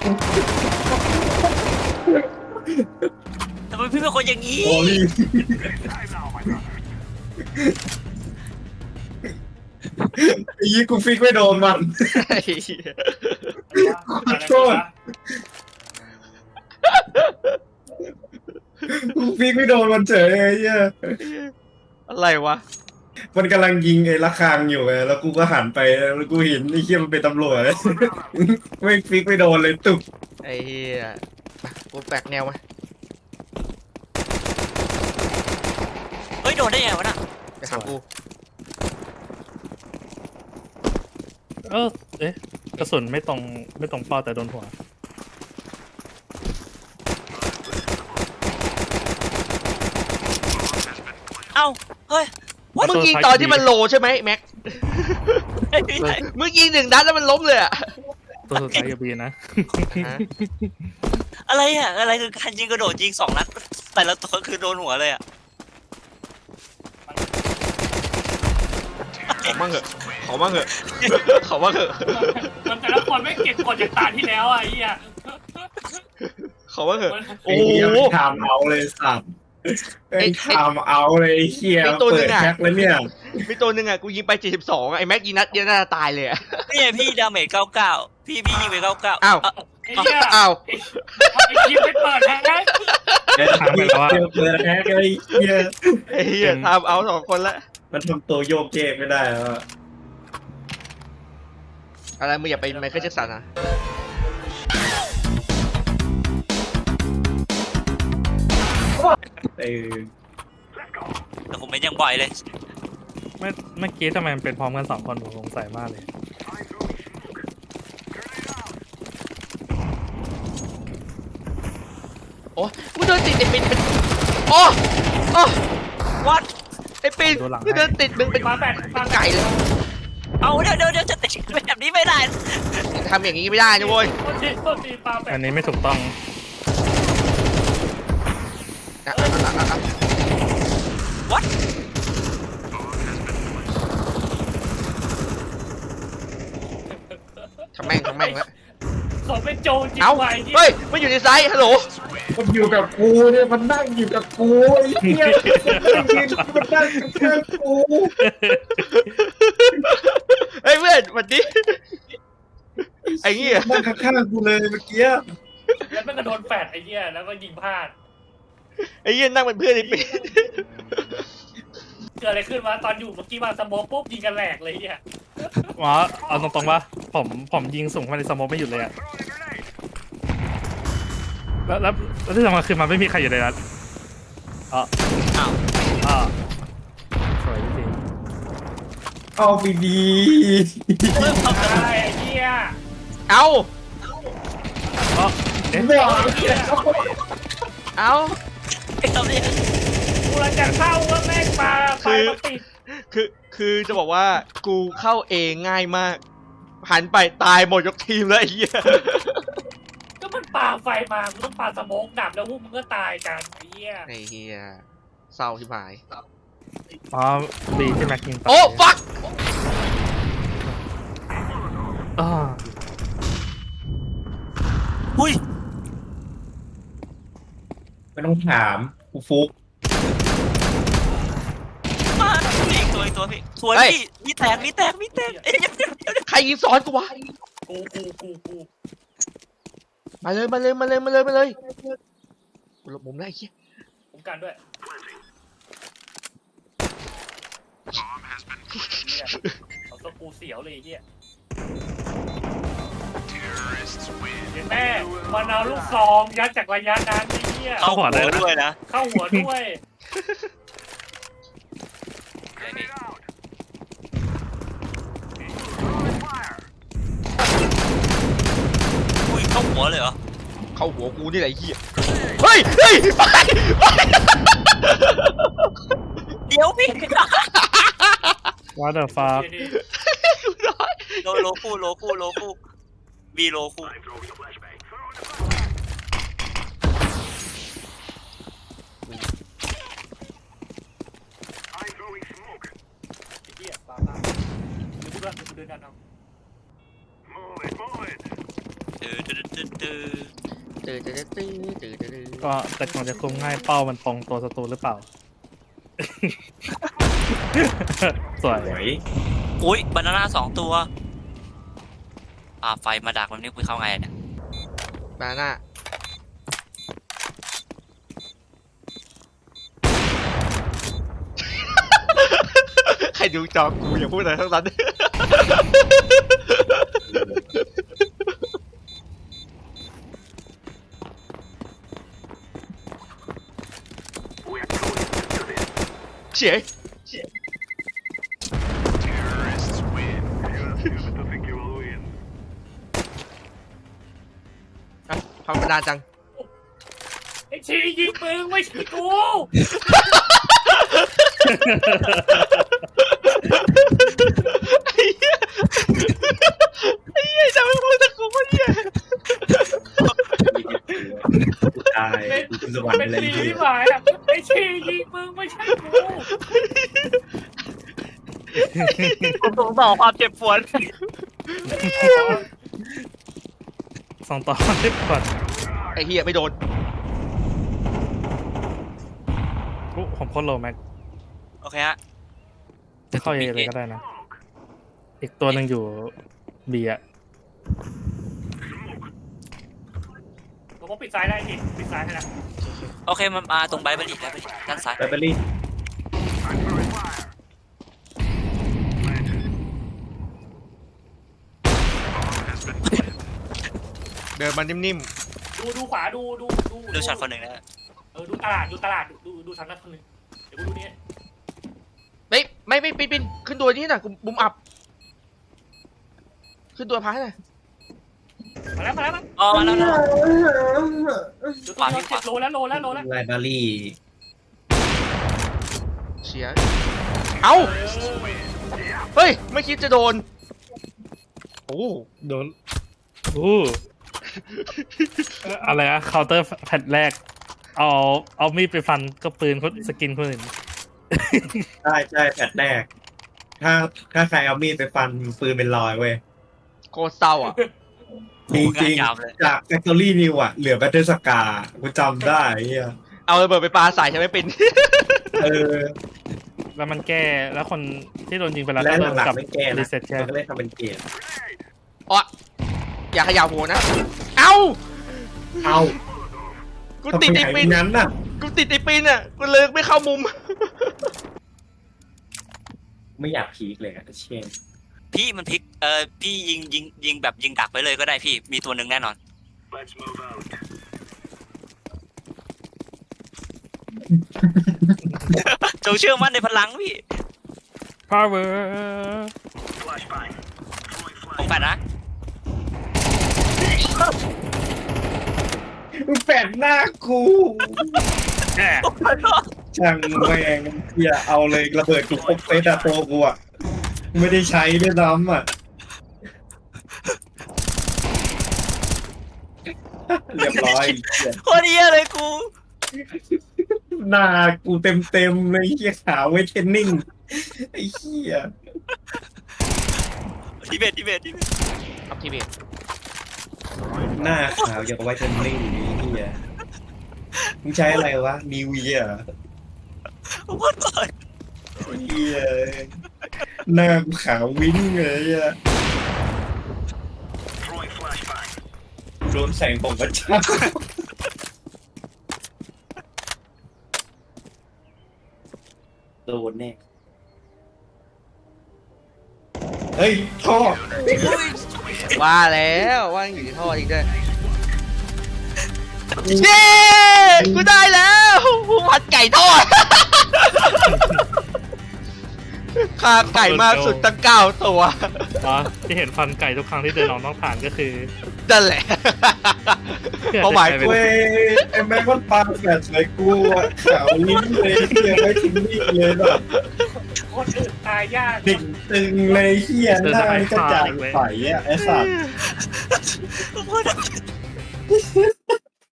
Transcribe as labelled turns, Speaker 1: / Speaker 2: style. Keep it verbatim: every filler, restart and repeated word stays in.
Speaker 1: ทำไมพี่เป็นคนอย่างนี้
Speaker 2: โอ้ยไอ้ยี่กูฟิกไม่โดนมันขอโทษกูฟิกไม่โดนมันเฉยไอ้เหี้ย
Speaker 3: อะไรวะ
Speaker 2: มันกำลังยิงไอ้ระฆังอยู่ไงแล้วกูก็หันไปแล้วกูเห็นไอ้เหี้ยมันเป็นตำรวจไม่ฟิกไม่โดนเลยตุก
Speaker 3: ไอ้เหี้ยกูแปลกแนวมา
Speaker 1: เฮ้ยโดนได้ไงวะน่ะ
Speaker 3: ไปหากู
Speaker 4: เออเอ๊ะกระสุนไม่ตรงไม่ตรงเป้าแต่โดนหัว
Speaker 1: เอ้าเฮ้ย
Speaker 3: มึงยิงตอนที่มันโลใช่ไหมแม็กมึงยิงหนึ่งนัดแล้วมันล้มเลยอะ
Speaker 4: ตัวสุดท้ายกับบีนะ
Speaker 1: อะไรอะอะไรคือการยิงกระโดดยิงสองนัดแต่ละตัวคือโดนหัวเลยอะ
Speaker 3: ขอมั่งเหอะขอมั่งเหอะขอมั่งเหอะ
Speaker 5: มันแต่ละคนไม่เก็บกดจากตาที่แล้วอ่ะไอ้เหี้ย
Speaker 3: ขอมั่งเหอะ
Speaker 2: โอ้โหทำเอาเลยสัตว์ไอ้ทำเอาเลยเฮียเปิดแพ็คแล้วเนี่ย
Speaker 3: มีตัวหนึ่งอ่ะกูยิงไปเจ็ดสิบสองไอ้แม็กยิงนัดเดียวน่าจะตายเลยอ่ะ
Speaker 1: นี่ไงพี่ดาเมจเก้าเก้าพี่พี่ยิงไปเก้าเก้า
Speaker 3: อ้าวอ้าว
Speaker 5: ไอ้คิวไปเปิดแฮก
Speaker 2: เปิดแพ็คเลยเฮีย
Speaker 3: ไอ้เฮียทำเอาสองคนละ
Speaker 2: มันทำตัวโยกเยกไม่ได้แล้ว
Speaker 3: อะไรมึงอย่าไปไมเคิลแจ็คสันนะ
Speaker 2: เออ
Speaker 1: แต่ผมไม่ยังบ่อยเลย
Speaker 4: เมื่อเมื่อกี้ทำไมมันเป็นพร้อมกันสองคนผมสงสัยมากเลย
Speaker 3: โอ้กูเดินติดไอ้ปินเป็นโอ้โอ้วัดไอ้ปินกูเดินติดมึงเป็น
Speaker 5: มาแบบ
Speaker 3: เป็นไก่เลย
Speaker 1: เอาเดี๋ยวเดี๋ยวเดี๋ยวจะติดแบบนี้ไม่ได้
Speaker 3: ทำอย่างนี้ไม่ได้นะเว้ย
Speaker 4: อันนี้ไม่ถูกต้อง
Speaker 1: วัด
Speaker 3: ทำแม่งทำแม่งแล้ว
Speaker 5: เขาเป็นโจรจริง
Speaker 3: เอ้าเฮ้ยมันอยู่ในไซส์ฮัลโหล
Speaker 2: มันอยู่กับกูเนี่ยมันนั่งอยู่กับกูไอ้เหี้ยมันนั่งมันนั่งกับกู
Speaker 3: เฮ้ยเพื่อนวันนี้ไอ้เงี้ย
Speaker 2: นั่งข้างๆกูเลยเมื่อกี้
Speaker 5: แล้วมันก็โดนแฟดไอ้เหี้ยแล้วก็ยิงพลาด
Speaker 3: ไอ้เงี้ยนั่งเป็นเพื่อนไอ้ปิน
Speaker 5: เกิดอะไรขึ้นวะตอนอยู่เมื่อกี้มาสโมกปุ๊บยิงกันแหลกเลยเนี่ย
Speaker 4: อ๋อเอาตรงๆว่าผมผมยิงสูงมาในสโมกไม่หยุดเลยอะแล้วแล้วแล้วที่สำคัญคือมันไม่มีใครอยู่ในนั้นอ๋อ
Speaker 1: อ้าว
Speaker 4: อ๋อสวยจริง
Speaker 2: เอาไปดี
Speaker 5: เริ่มทำอะไรไอ้เหี้ย
Speaker 3: เอา
Speaker 4: อ๋อเอ๊ะ
Speaker 3: เอา
Speaker 1: ไอ้ตอนนี้
Speaker 5: กูจะเข้าว่าแม่งปลาไฟมาติด
Speaker 3: คือคือจะบอกว่ากูเข้าเองง่ายมากหันไปตายหมดยกทีมเลยไอ้เหี้ย
Speaker 5: ก็มันปลาไฟมามึงต้องปลาสโมกดับแล้วพวกมึงก็ตายกันไอ้เหี้ย
Speaker 3: ไอ้เหี้ยเศร้าที่หาย
Speaker 4: อ๋อดีที่แม็กยิง
Speaker 3: โอ้ฟัก
Speaker 4: อ๋อ
Speaker 1: อุ้ย
Speaker 2: ไม่ต้องถามกูฟุก
Speaker 1: มาอีกตัวอีกตัวพี่สวยพี่มีแตกมีแตกมีแตกเอ้ย
Speaker 3: ใครยิงซ้อนกูวะ
Speaker 5: กูกูกูกู
Speaker 3: มาเลยมาเลยมาเลยมาเลยมาเลยกูหลบมุมได้ไอ้เหี้ย
Speaker 5: ผมกันด้วยเอาตัวกูเสียวเลยไอ้เหี้ยแม่มันเอาลูกซองยัดจากระยะนั้นไอ้เหี้ย
Speaker 1: เข้าหัวด้วยนะ
Speaker 5: เข้าหัวด้วย
Speaker 1: อุ้ยเข้าหัวเลยเหรอ
Speaker 3: เข้าหัวกูนี่แหละไอ้เหี้ยเฮ้ยเฮ้ยไป
Speaker 1: เดี๋ยวพี่
Speaker 4: ว่าเดอะฟ้า
Speaker 1: โลโลคู่โลคู่โลคู่บีโลคู่
Speaker 5: เดินกันเอา
Speaker 1: เตื้อ
Speaker 3: ตื่นตื่นตื่นตื่นตื่นตื่น
Speaker 4: ก็แต่ก่อนจะคุมง่ายเป้ามันตรงตัวศัตรูหรือเปล่า สวย
Speaker 2: สวย
Speaker 1: อุ้ยบานาน่าสองตัวปาไฟมาดักแบบนี้คุยเข้าไงเนี่ย
Speaker 3: บาน่าใครดูจอกูอย่าพูดอะไรทั้งนั้น เฉียอ่ะทำมานานจัง
Speaker 5: ไอ้ชียิงมึงไม่ใช่กู
Speaker 3: ไอ้เหี้ยไอ้เหี้ยจะไม่พูดตะกูวะเนี่ย
Speaker 2: กูตายกูขึ้นสวรรค์
Speaker 5: เป็น
Speaker 2: อะไร
Speaker 5: สี
Speaker 2: เงี้
Speaker 5: ที่
Speaker 2: ย
Speaker 5: หมายอ่ะไอ้ชียิงมึงไม่ใช่กู
Speaker 1: ผมสงสารความเจ็บปวด
Speaker 4: สองต่อสิบก่อน
Speaker 3: ไอ้เหี้ยไม่โดน
Speaker 4: อุ๊ผมโคตรโลแม็ก
Speaker 1: โอเคฮะ
Speaker 4: จะเข้าเอเลยก็ได้นะ อีกตัวหนึ่งอยู่บีอะ
Speaker 5: ผมก็ปิดซ้ายได้ดิปิดซ้ายให้ละ
Speaker 1: โอเคมันมาตรงไบเบอรี่ไบเบอรี่ด้านซ้าย
Speaker 2: แบตเตอรี่
Speaker 3: เดินมานิ่ม
Speaker 5: ดูดูขวาดูดูดู
Speaker 1: ดูช็อตคนหนึ่งนะ
Speaker 5: เออดูตลาดดูตลาดดูดูดูทางนั้นคนหนึ่งเดี๋ยวกูดูนี่
Speaker 3: ๆไม่ไม่ไม่ปินปินขึ้นตัวนี้น่ะกูบุมอับ ขึ้นตัวพายหน่อย
Speaker 5: มาแล้วมาแล้วมา
Speaker 1: อ๋อมาแล้วนะ
Speaker 5: ดู
Speaker 1: ขวา
Speaker 5: ตัว
Speaker 1: พี่ขวา
Speaker 5: เจ็ดโลแล้วโลแล้วโลแล้ว
Speaker 2: ไลบรารี
Speaker 3: เชียเอ้า เฮ้ย ไม่คิดจะโดน โอ้
Speaker 4: โดนอู้เอ่ออะไรอะเคาน์เตอร์แพทแรก เอาเอามีดไปฟันก็ปืนคนสกินคนอื่น
Speaker 2: ใช่ใช่แผดแรก ถ้าถ้าใครเอามีดไปฟันปืนเป็นรอยเว้ย
Speaker 3: โคตรเศร้าอ่ะ
Speaker 2: จริงจริง
Speaker 1: ยาวเลย
Speaker 2: จากแฟคทอรี่นิวอะเหลือแบตเตอร์สกากูจำได้ไอ้เฮีย
Speaker 3: เอาระเบิดไปปาใส่ใช่ไหมปิน
Speaker 2: เออ
Speaker 4: แล้วมันแก้แล้วคนที่โดนยิงไปแล้ว
Speaker 2: และ
Speaker 4: ก็โดน
Speaker 2: หลัง
Speaker 4: กลับ
Speaker 2: ๆไม่แก้
Speaker 4: รี
Speaker 2: นะ
Speaker 4: เซ็ตแค่
Speaker 2: มันก็เลยทำเป็นเกม
Speaker 3: อ๋ออย่าเขย่าหัวนะ เอ้า
Speaker 2: เอา
Speaker 3: กู
Speaker 2: ทำไม
Speaker 3: ติดไอ้
Speaker 2: หาย
Speaker 3: ปิ
Speaker 2: ไป
Speaker 3: น
Speaker 2: นั้นน่ะ
Speaker 3: กูติดไอ้ปินอ่ะ กูเลิกไม่เข้ามุม
Speaker 2: ไม่อยากพีคเลยอะเช่น
Speaker 1: พี่มันพลิกเอ่อพี่ยิงยิงยิงแบบยิงดักไปเลยก็ได้พี่มีตัวหนึ่งแน่นอนจงเชื่อมั่นในพลังพี่
Speaker 4: power
Speaker 1: ผมแปดนะ
Speaker 2: มึงแปดหน้ากูช่างแม่งเฮียเอาเลยระเบิดกูครบเซตอะตัวกูอะไม่ได้ใช้ด้วยซ้ำอะเรียบร้อยเหี้ย
Speaker 1: โคตรเหี้ยเลยกู
Speaker 2: หน้ากูเต็มเต็มๆเลยเฮียขาวไว้เทรนนิ่งไอ้เฮีย
Speaker 1: ทิเบตทิเบตทิเบต
Speaker 3: อัพทีวี
Speaker 2: หน้าขาวอย่างกับไว้เทรนนิ่งไอ้เฮียมึงใช้อะไรวะนิวเยียร์
Speaker 1: โคตรก่อน
Speaker 2: เฮียหน้ากูขาววิ่งเลยอะโดนแสงของพระเจ้าโดนแน่เฮ้ยท่อ
Speaker 3: ว่าแล้วว่าอยู่ที่ท่อจริงด้วยเย้ กูได้แล้วผู้ผัดไก่ทอดค่าไก่มากสุดตั้งเก้าตัว
Speaker 4: อ๋อที่เห็นฟันไก่ทุกครั้งที่เดินออกนอกฐานก็คือ
Speaker 3: นั่นแหละเป้าหมายกู
Speaker 2: เว้ยไอ้แม่งมันปาแฟลชเลยกูอะขาวลิ้นเลยเฮียไว้ทิ้งนี่เลยแบบ
Speaker 5: คนอื่นตายยาก
Speaker 2: ดิ่งตึงเลยเฮียหน้านี่กระจายใสอะไอ้สัตว์